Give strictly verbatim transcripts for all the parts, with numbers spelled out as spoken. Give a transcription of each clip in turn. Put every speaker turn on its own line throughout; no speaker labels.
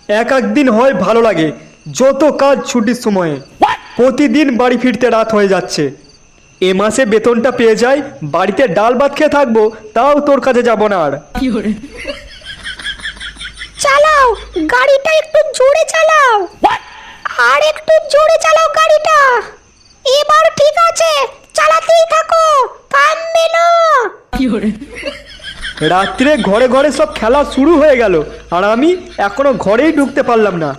এক একদিন হয় ভালো লাগে, যত কাজ ছুটির সময়ে প্রতিদিন বাড়ি ফিরতে রাত হয়ে যাচ্ছে। এ মাসে বেতনটা পেয়ে যাই, বাড়িতে ডাল ভাত খেয়ে থাকবো, তাও তোর কাছে যাব না আর।
চালাও গাড়িটা, একটু জোরে চালাও, আর একটু জোরে চালাও গাড়িটা। এবার ঠিক আছে, চালাতেই থাকো, থামবে না।
রাত্রে ঘরে ঘরে সব খেলা শুরু হয়ে গেল, আর আমি এখনো ঘরেই ঢুকতে পারলাম না।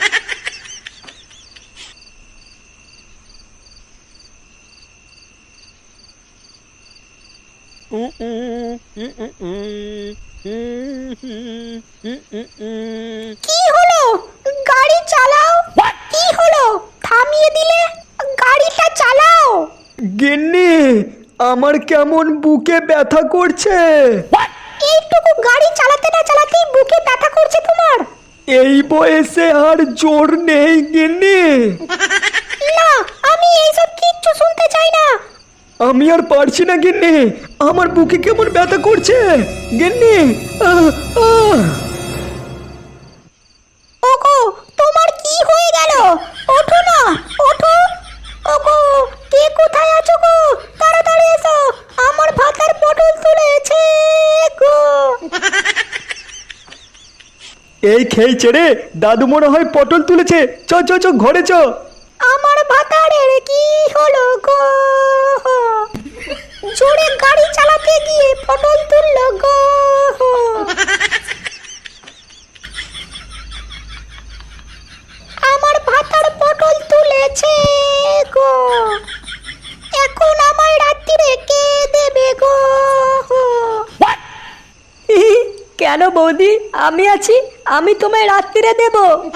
কি হলো? গাড়ি চালাও। কি হলো? থামিয়ে দিলে, গাড়িটা চালাও।
গিন্নি, আমার কেমন বুকে ব্যথা করছে।
এইটুকু গাড়ি চালাতে না চালাতেই বুকে ব্যথা করছে তোমার?
এই বয়সে আর জোর নেই গিন্নি।
না, আমি এইসব কিচ্ছু শুনতে চাই না।
আমি আর পারছি না গিন্নি, আমার বুকে কেমন ব্যথা করছে গিন্নি। আহ, আহ।
ওগো, তোমার কি হয়ে গেল? ওঠো না, ওঠো। ওগো, কে কোথায় আছো গো? তাড়াতাড়ি এসো, আমার ভাতার পটল তুলেছে গো।
এই খেয়েছে রে, দাদু মনে হয় পটল তুলেছে। চ চ চ ঘরে চ।
আমার ভাতারের কি হলো গো? জোরে গাড়ি চালাতে গিয়ে পটল তুললো গো। আমার ভাতার পটল তুলেছে গো, এখন আমার রাত্রিরে কে দেবে গো?
কেন বৌদি, আমি আছি, আমি তোমায় রাত্রিরে দেব।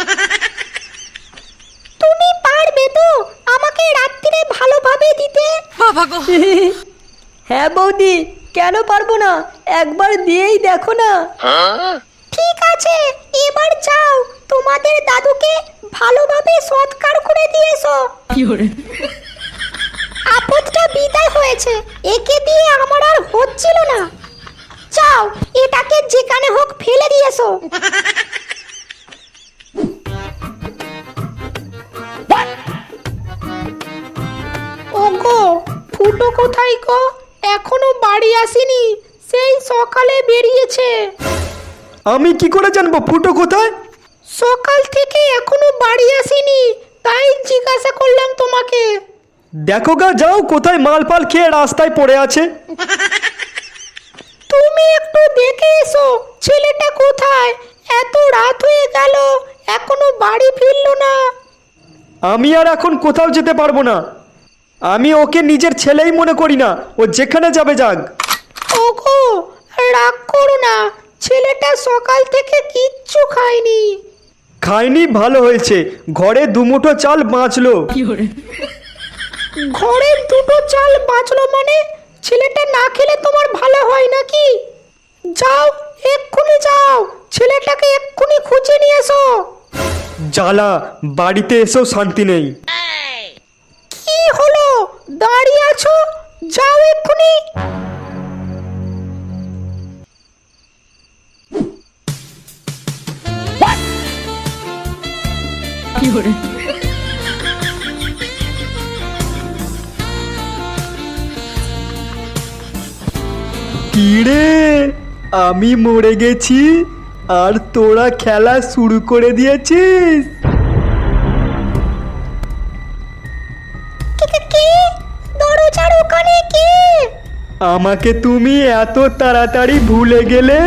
তুমি পারবে তো আমাকে রাত্রিরে ভালোভাবে দিতে?
হ্যাঁ বৌদি, কেন পারবো না, একবার দিয়েই দেখো না।
ঠিক আছে, এবার যাও, তোমাদের দাদুকে ভালোভাবে সৎকার করে দিয়েছো। আপদটা বিদায় হয়েছে, একে দিয়ে আমার আর হচ্ছিল না। যাও, এটাকে যেখানে হোক ফেলে দিয়েছো। ওগো, ফুটো কোথায় গো? এখনো বাড়ি আসেনি, সেই সকালে বেরিয়েছে।
আমি কি করে জানবো ফুটো কোথায়?
সকাল থেকে এখনো বাড়ি আসেনি, তাই জিজ্ঞাসা করলাম তোমাকে।
দেখো গা, যাও, কোথায় মাল পাল খেয়ে রাস্তায় পড়ে আছে।
তুমি একটু দেখে এসো, ছেলেটা কোথায়? এত রাত হয়ে গেল, এখনো বাড়ি ফিরলো না।
আমি আর এখন কোথাও যেতে পারবো না, আমি ওকে নিজের ছেলেই মনে করি না, ও যেখানে যাবে যাক।
ওগো, রাগ করো না, ছেলেটা সকাল থেকে কিচ্ছু খায়নি।
খায়নি ভালো হয়েছে, ঘরে দুমুঠো চাল বাঁচলো।
ঘরের দুটো চাল বাঁচলো মানে? ছেলেটা না খেলে তোমার ভালো হয় নাকি? যাও, এক্ষুনি যাও, ছেলেটাকে এক্ষুনি খুঁজে নিয়ে এসো।
জ্বালা, বাড়িতে এসেও শান্তি নেই।
কি হলো, দাঁড়িয়ে আছো? যাও এক্ষুনি।
কি রে, আমি মরে গেছি আর তোরা খেলা শুরু করে দিয়েছিস?
কে কে কে? দরজার ওখানে কে?
আমাকে তুমি এত তাড়াতাড়ি ভুলে গেলে?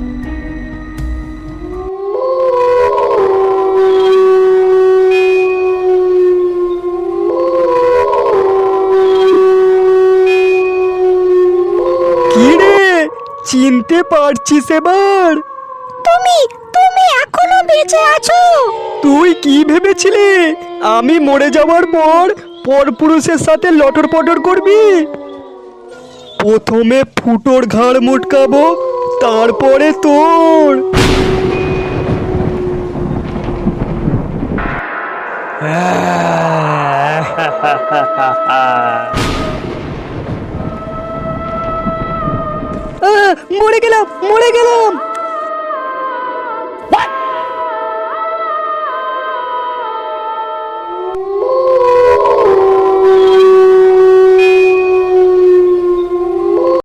কি রে, চিনতে পারছিস এবার?
তুমি তুমি এখনো বেঁচে আছো?
তুই কি ভেবেছিলি আমি মরে যাওয়ার পর পরপুরুষের সাথে লটর পটর করবি? প্রথমে ফুটোর ঘাড় মুটকাবো, তারপরে তোর।
মরে গেলাম, মরে গেলাম।